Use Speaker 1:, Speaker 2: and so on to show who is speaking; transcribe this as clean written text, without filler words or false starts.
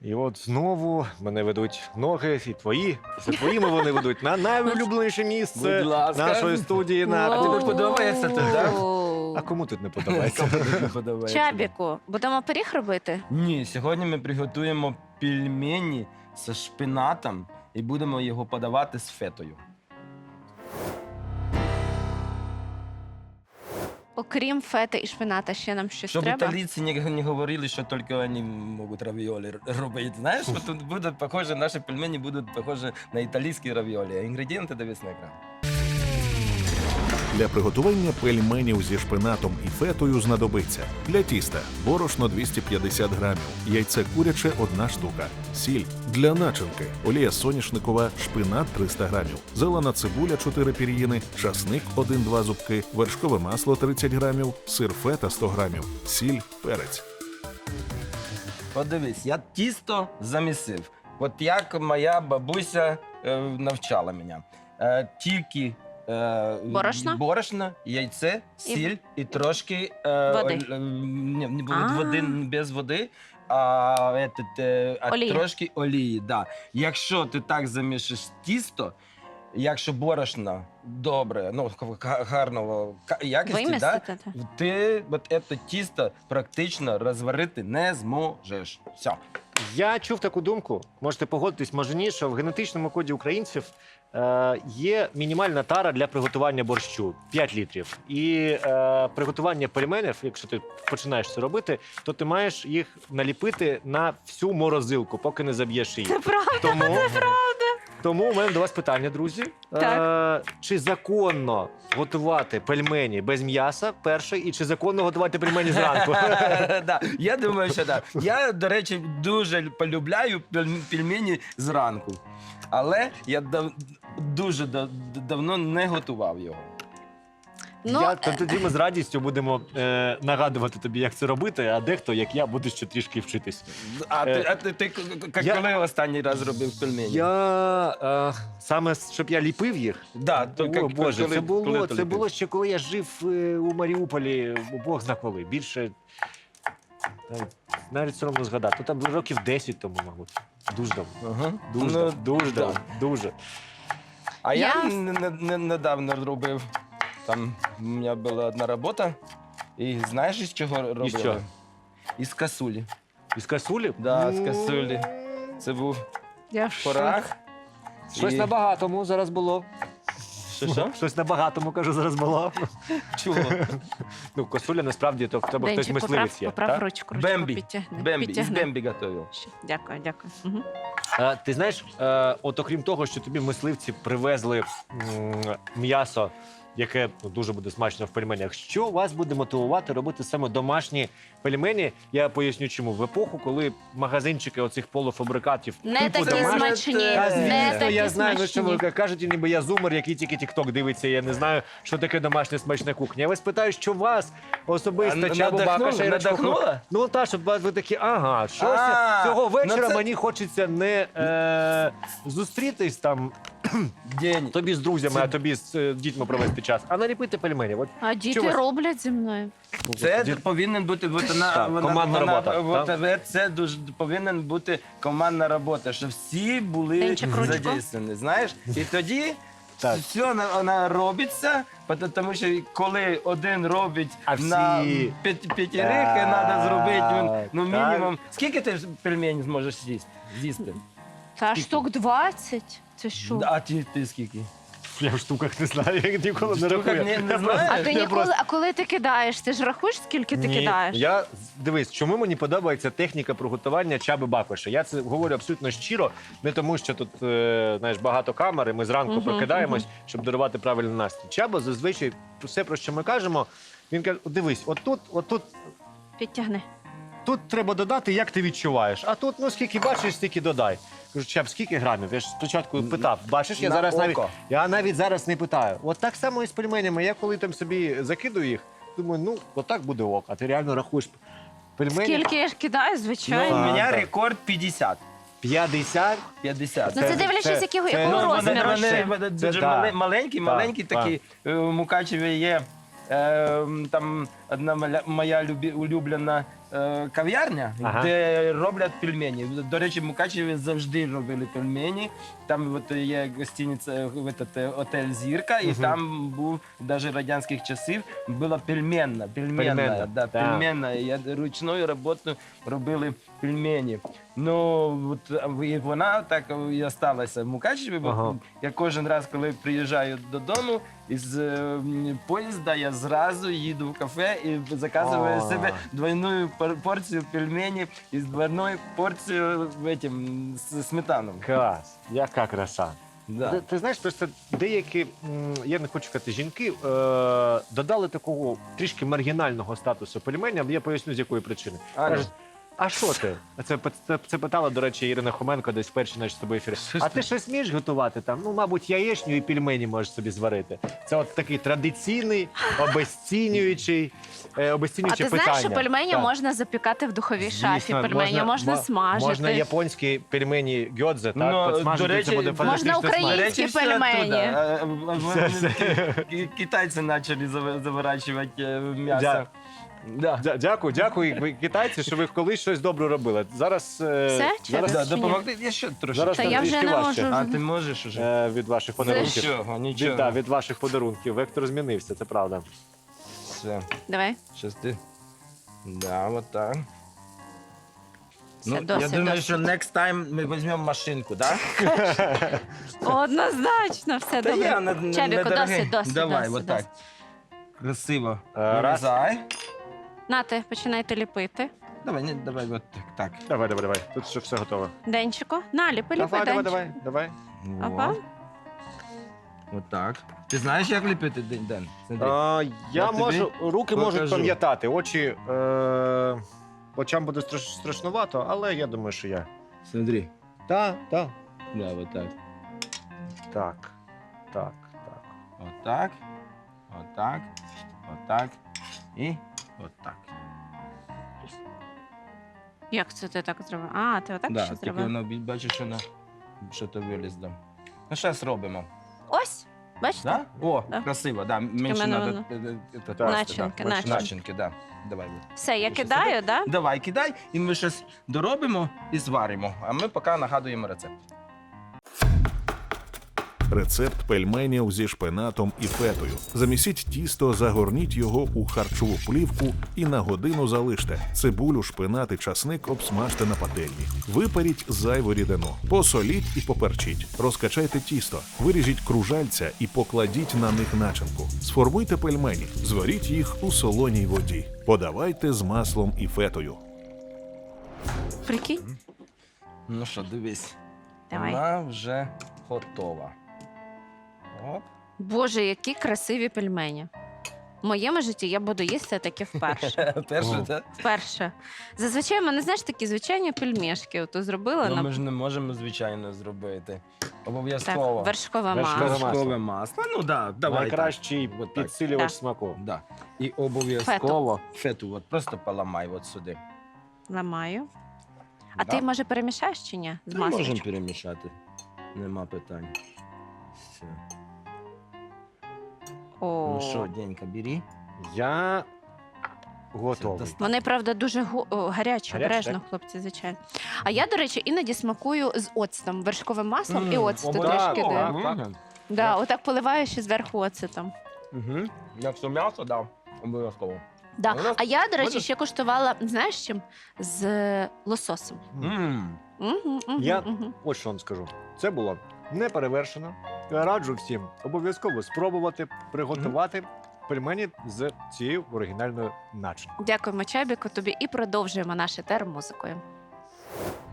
Speaker 1: І от знову мене ведуть ноги, і твої. За твоїми вони ведуть на найулюбленіше місце
Speaker 2: Будь ласка.
Speaker 1: нашої студії.
Speaker 2: А тобі подобається тут, так?
Speaker 1: А кому тут не подобається?
Speaker 2: Кому тут не подобається?
Speaker 3: Чабіку, будемо пиріг робити?
Speaker 2: Ні, сьогодні ми приготуємо пельмені з шпинатом і будемо його подавати з фетою.
Speaker 3: Окрім фети і шпината, ще нам щось
Speaker 2: Щоб
Speaker 3: треба?
Speaker 2: італійці не говорили, що тільки вони можуть равіолі робити. Знаєш, що тут буде похоже, наші пельмені будуть похожі на італійські равіолі. Інгредієнти дивись на екран.
Speaker 4: Для приготування пельменів зі шпинатом і фетою знадобиться для тіста борошно 250 грамів, яйце куряче – 1 штука, сіль, для начинки олія соняшникова, шпинат 300 грамів, зелена цибуля 4 пір'їни, часник 1-2 зубки, вершкове масло 30 грамів, сир фета 100 грамів, сіль, перець.
Speaker 2: Подивись, я тісто замісив. От як моя бабуся навчала мене. Тільки борошно, яйце, сіль і трошки
Speaker 3: Води.
Speaker 2: Не буде води, без води, а
Speaker 3: Олія.
Speaker 2: трошки олії. Да. Якщо ти так замішиш тісто, якщо борошно добре, ну, гарного якості, да,
Speaker 3: Вимістити?
Speaker 2: ти от це тісто практично розварити не зможеш. Все.
Speaker 1: Я чув таку думку, можете погодитись, може ні, що в генетичному коді українців є мінімальна тара для приготування борщу 5 літрів. І приготування пельменів, якщо ти починаєш це робити, то ти маєш їх наліпити на всю морозилку, поки не заб'єш її.
Speaker 3: Це правда.
Speaker 1: Тому у мене до вас питання, друзі.
Speaker 3: Так.
Speaker 1: Чи законно готувати пельмені без м'яса, перше, і чи законно готувати пельмені зранку?
Speaker 2: Да, я думаю, що так. Я, до речі, дуже полюбляю пельмені зранку. Але я дуже давно не готував його.
Speaker 3: Ну,
Speaker 1: Тоді ми з радістю будемо нагадувати тобі, як це робити, а дехто, як я, буде ще трішки вчитись.
Speaker 2: А ти коли останній раз робив пельмені?
Speaker 1: Саме, щоб я ліпив їх?
Speaker 2: Да,
Speaker 1: О, Боже,
Speaker 2: коли
Speaker 1: це
Speaker 2: ти
Speaker 1: було
Speaker 2: ліпив?
Speaker 1: ще коли я жив у Маріуполі, Бог зна коли. Більше, навіть соромно згадати. Ну, там років 10 тому, мабуть. Дуже давно.
Speaker 2: Ага.
Speaker 1: Дуже,
Speaker 2: Ну,
Speaker 1: дуже
Speaker 2: да.
Speaker 1: давно. Дуже.
Speaker 2: А я
Speaker 3: Я-
Speaker 2: недавно робив. Там у мене була одна робота. І знаєш, із чого робили?
Speaker 1: що?
Speaker 2: Із касулі.
Speaker 1: Із касулі?
Speaker 2: Да, з касулі. Це був
Speaker 3: я в шоці.
Speaker 2: порах.
Speaker 1: Щось
Speaker 2: І-
Speaker 1: на багатому зараз було.
Speaker 2: Що?
Speaker 1: Щось на багатому, кажу, зараз було.
Speaker 2: Чого?
Speaker 1: Ну, косуля насправді то в тебе хтось
Speaker 3: Денчик,
Speaker 1: мисливець є.
Speaker 3: поправ
Speaker 1: так?
Speaker 3: ручку,
Speaker 2: Бембі.
Speaker 3: підтягни.
Speaker 2: Бембі. Із
Speaker 3: підтягни.
Speaker 2: Бембі готував.
Speaker 3: Ще. Дякую, дякую. Угу.
Speaker 1: Ти знаєш, от окрім того, що тобі мисливці привезли м'ясо, яке дуже буде смачно в пельменях, що вас буде мотивувати робити саме домашні пельмені? Я поясню чому. В епоху, коли магазинчики оцих полуфабрикатів
Speaker 3: Не
Speaker 1: типу
Speaker 3: такі
Speaker 1: домашні,
Speaker 3: смачні,
Speaker 1: Та,
Speaker 3: не
Speaker 1: звісно,
Speaker 3: такі
Speaker 1: я знаю, ну, що ви
Speaker 3: смачні.
Speaker 1: кажуть, ніби я зумер, який тільки тік-ток дивиться, я не знаю, що таке домашня смачна кухня. Я вас питаю, що вас особисто, Чабо Бакаша і Рачко,
Speaker 2: Надихнула?
Speaker 1: ну та, щоб ви такі, ага, щось
Speaker 2: А,
Speaker 1: цього вечора
Speaker 2: ну це-
Speaker 1: мені хочеться не зустрітись там
Speaker 2: День.
Speaker 1: тобі з друзями, а тобі з дітьми провести час, а наліпити пельменів. От
Speaker 3: А діти
Speaker 1: вас-
Speaker 3: роблять зі мною.
Speaker 2: Це
Speaker 1: дід-
Speaker 2: повинен бути
Speaker 1: Так, командна робота,
Speaker 2: Це дуже повинен бути командна робота, щоб всі були
Speaker 3: Денчик, ручку.
Speaker 2: задействовані, знаєш? І тоді
Speaker 1: Так.
Speaker 2: все вона робиться, тому що коли один робить
Speaker 1: А
Speaker 2: на
Speaker 1: всі-
Speaker 2: п'ятірих, треба зробити ну,
Speaker 1: Так.
Speaker 2: мінімум. Скільки ти пельменів зможеш з'їсти?
Speaker 3: Та штук 20. Це що?
Speaker 2: А ти скільки?
Speaker 1: Я в штуках не знаю, я ніколи не
Speaker 2: Штуках
Speaker 1: рахую.
Speaker 2: не
Speaker 1: Я
Speaker 2: знаєш?
Speaker 1: просто-
Speaker 3: А ти
Speaker 1: я
Speaker 3: ніколи,
Speaker 1: просто-
Speaker 3: а коли ти кидаєш, ти ж рахуєш, скільки ти
Speaker 1: Ні,
Speaker 3: кидаєш?
Speaker 1: Дивись, чому мені подобається техніка приготування Чаби Бакоша. Я це говорю абсолютно щиро, не тому, що тут знаєш, багато камер, і ми зранку
Speaker 3: Мгм,
Speaker 1: прокидаємось, щоб дарувати правильний настрій. Чаба зазвичай все, про що ми кажемо, він каже: дивись, отут
Speaker 3: Підтягни.
Speaker 1: тут треба додати, як ти відчуваєш. А тут, ну скільки бачиш, стільки додай. Кажу, Чаб, скільки грамів? Я ж спочатку питав. Бачиш, я
Speaker 2: На
Speaker 1: зараз
Speaker 2: око.
Speaker 1: навіть зараз не питаю. От так само і з пельменями. Я коли там собі закидую їх, думаю, ну отак буде ок. А ти реально рахуєш пельмені.
Speaker 3: Скільки я ж кидаю,
Speaker 2: Ну, у
Speaker 3: звичайно.
Speaker 1: Так,
Speaker 2: мене
Speaker 1: так.
Speaker 2: рекорд 50.
Speaker 1: 50.
Speaker 2: 50.
Speaker 3: Ну це дивлячись, якого розміру ще.
Speaker 2: Вони
Speaker 1: Це
Speaker 2: дуже
Speaker 1: да.
Speaker 2: маленькі
Speaker 1: Так,
Speaker 2: такі. У Мукачеві є там одна моя улюблена кав'ярня,
Speaker 1: Ага.
Speaker 2: де роблять пельмені. До речі, в Мукачеві завжди робили пельмені. Там от є гостиниця, отель «Зірка», і
Speaker 1: Мгм.
Speaker 2: там був навіть радянських часів була пельменна.
Speaker 1: Пельменна,
Speaker 2: Да,
Speaker 1: так.
Speaker 2: пельменна. Я ручною роботою робили пельмені. Ну, от, і вона так і осталася в Мукачеві, бо
Speaker 1: Ага.
Speaker 2: я кожен раз, коли приїжджаю додому із поїзда, я зразу їду в кафе і заказую
Speaker 1: А.
Speaker 2: себе двойну порцію пельменів із двойною порцією з сметаном.
Speaker 1: Клас, яка краса.
Speaker 2: Да.
Speaker 1: Ти знаєш, просто деякі, я не хочу сказати, жінки додали такого трішки маргінального статусу пельменям. Я поясню, з якої причини.
Speaker 2: А,
Speaker 1: Кажуть, а що ти? Це питала, до речі, Ірина Хоменко десь в першій нашій з тобою ефірі.
Speaker 2: Що ж
Speaker 1: А
Speaker 2: ти?
Speaker 1: ти щось вмієш готувати там? Ну, мабуть, яєчню і пельмені можеш собі зварити. Це от такий традиційний, обесцінюючий
Speaker 3: А
Speaker 1: питання.
Speaker 3: ти знаєш, що пельмені
Speaker 1: Так.
Speaker 3: можна запікати в духовій шафі,
Speaker 1: Звісно,
Speaker 3: пельмені можна смажити.
Speaker 1: Можна японські пельмені гьодзе, так?
Speaker 2: Ну,
Speaker 1: Підсмажити,
Speaker 2: до речі,
Speaker 1: це буде
Speaker 2: можна
Speaker 1: фантастично
Speaker 3: українські
Speaker 1: смачно.
Speaker 2: До речі, все
Speaker 3: пельмені.
Speaker 2: оттуда. Китайці почали заворачувати м'ясо. Да.
Speaker 1: Дякую, ви, китайці, що ви колись щось добре робили. Зараз,
Speaker 3: Все? Чи
Speaker 1: зараз,
Speaker 2: Да,
Speaker 3: Чи ні?
Speaker 2: допомогти. Я ще трошки.
Speaker 1: зараз
Speaker 3: Та
Speaker 1: нам
Speaker 3: я вже
Speaker 1: трішки
Speaker 3: не
Speaker 1: важче,
Speaker 3: можу.
Speaker 2: А ти можеш уже?
Speaker 1: від ваших подарунків.
Speaker 2: Нічого, нічого.
Speaker 1: Від ваших подарунків. Вектор змінився, це правда.
Speaker 2: Все,
Speaker 3: Давай.
Speaker 2: щас ти. Да, вот так.
Speaker 3: Все,
Speaker 2: Ну,
Speaker 3: досить,
Speaker 2: я думаю,
Speaker 3: досить.
Speaker 2: що next time ми візьмемо машинку, да?
Speaker 3: Однозначно, все
Speaker 2: Та
Speaker 3: добре.
Speaker 2: я
Speaker 3: Чабіку,
Speaker 2: недорогий.
Speaker 3: досить.
Speaker 2: Давай,
Speaker 3: досить,
Speaker 2: вот так.
Speaker 3: досить.
Speaker 2: Красиво.
Speaker 1: Раз.
Speaker 2: Вирізай.
Speaker 3: Нате, починайте ліпити.
Speaker 2: Давай, вот так.
Speaker 1: Давай. Тут вже все готово.
Speaker 3: Денчику. На, ліпи, ліпи, Денчик.
Speaker 1: давай.
Speaker 3: Опа.
Speaker 2: Вот. Вот так. Ти знаєш, як ліпити, Ден? Смотри.
Speaker 1: Я
Speaker 2: Я тобі
Speaker 1: можу, руки можуть
Speaker 2: покажу.
Speaker 1: пам'ятати, очам буде страшнувато, але я думаю, що я.
Speaker 2: Смотри.
Speaker 1: Так.
Speaker 2: Да, вот так.
Speaker 1: Так.
Speaker 2: Вот так. Вот так. Вот так. І вот так.
Speaker 3: Як це ти так зробив? А, ти отак
Speaker 2: Да,
Speaker 3: ще
Speaker 2: тільки
Speaker 3: зробив?
Speaker 2: воно, бачиш, що то вилізло. Ну, зараз робимо.
Speaker 3: Ось, бачите?
Speaker 2: Да? О,
Speaker 3: Да.
Speaker 2: красиво, да. Менше
Speaker 3: мене
Speaker 2: надо.
Speaker 3: воно. Начинки, начинки.
Speaker 2: Начинки, да. Давай.
Speaker 3: Все, я
Speaker 2: Ще
Speaker 3: кидаю, да?
Speaker 2: Давай, кидай, і ми щось доробимо і зваримо. А ми поки нагадуємо рецепт.
Speaker 4: Рецепт пельменів зі шпинатом і фетою. Замісіть тісто, загорніть його у харчову плівку і на годину залиште. Цибулю, шпинат і часник обсмажте на пательні. Випаріть зайву рідину. Посоліть і поперчіть. Розкачайте тісто, виріжіть кружальця і покладіть на них начинку. Сформуйте пельмені, зваріть їх у солоній воді. Подавайте з маслом і фетою.
Speaker 3: Прикинь.
Speaker 2: Ну що, дивись.
Speaker 3: Давай.
Speaker 2: Вона вже готова. Оп.
Speaker 3: Боже, які красиві пельмені. В моєму житті я буду їсти таке вперше.
Speaker 2: Перше, так?
Speaker 3: Вперше. Зазвичай в мене, знаєш, такі звичайні пельмешки. Ото зробила
Speaker 2: Ну,
Speaker 3: на
Speaker 2: ми ж не можемо, звичайно, зробити.
Speaker 3: так,
Speaker 2: Обов'язково.
Speaker 3: вершкове
Speaker 1: Вершкове
Speaker 3: масло.
Speaker 2: Вершкове масло. Ну, да, давай.
Speaker 1: Найкращий
Speaker 2: так. От так.
Speaker 1: підсилювач
Speaker 3: Так.
Speaker 1: смаку.
Speaker 2: Да. І обов'язково фету. От просто поламай от сюди.
Speaker 3: Ламаю. А
Speaker 2: Да.
Speaker 3: ти, може, перемішаєш чи ні? З
Speaker 2: Ми можемо
Speaker 3: масличком?
Speaker 2: перемішати. Нема питань. Все.
Speaker 3: О.
Speaker 2: Ну що, Денька, бери.
Speaker 1: Я готовий.
Speaker 2: Це
Speaker 3: Вони, правда, дуже гарячі,
Speaker 1: Гарячі,
Speaker 3: обережно,
Speaker 1: так?
Speaker 3: хлопці, звичайно. А я, до речі, іноді смакую з оцтом, вершковим маслом і оцту
Speaker 2: обов'язково.
Speaker 3: трішки даю.
Speaker 2: Мгм.
Speaker 3: Да, отак поливаєш і зверху оцетом.
Speaker 2: Угу. Якщо м'ясо, да, обов'язково.
Speaker 3: Да.
Speaker 2: У нас-
Speaker 3: А я, до речі,
Speaker 2: Можна?
Speaker 3: ще куштувала, знаєш з чим? З лососем.
Speaker 1: Я- Ось що вам скажу. Це було не перевершено. Я раджу всім обов'язково спробувати приготувати пельмені з цією оригінальною начинкою.
Speaker 3: Дякуємо, Чабіку, тобі і продовжуємо наше термузикою.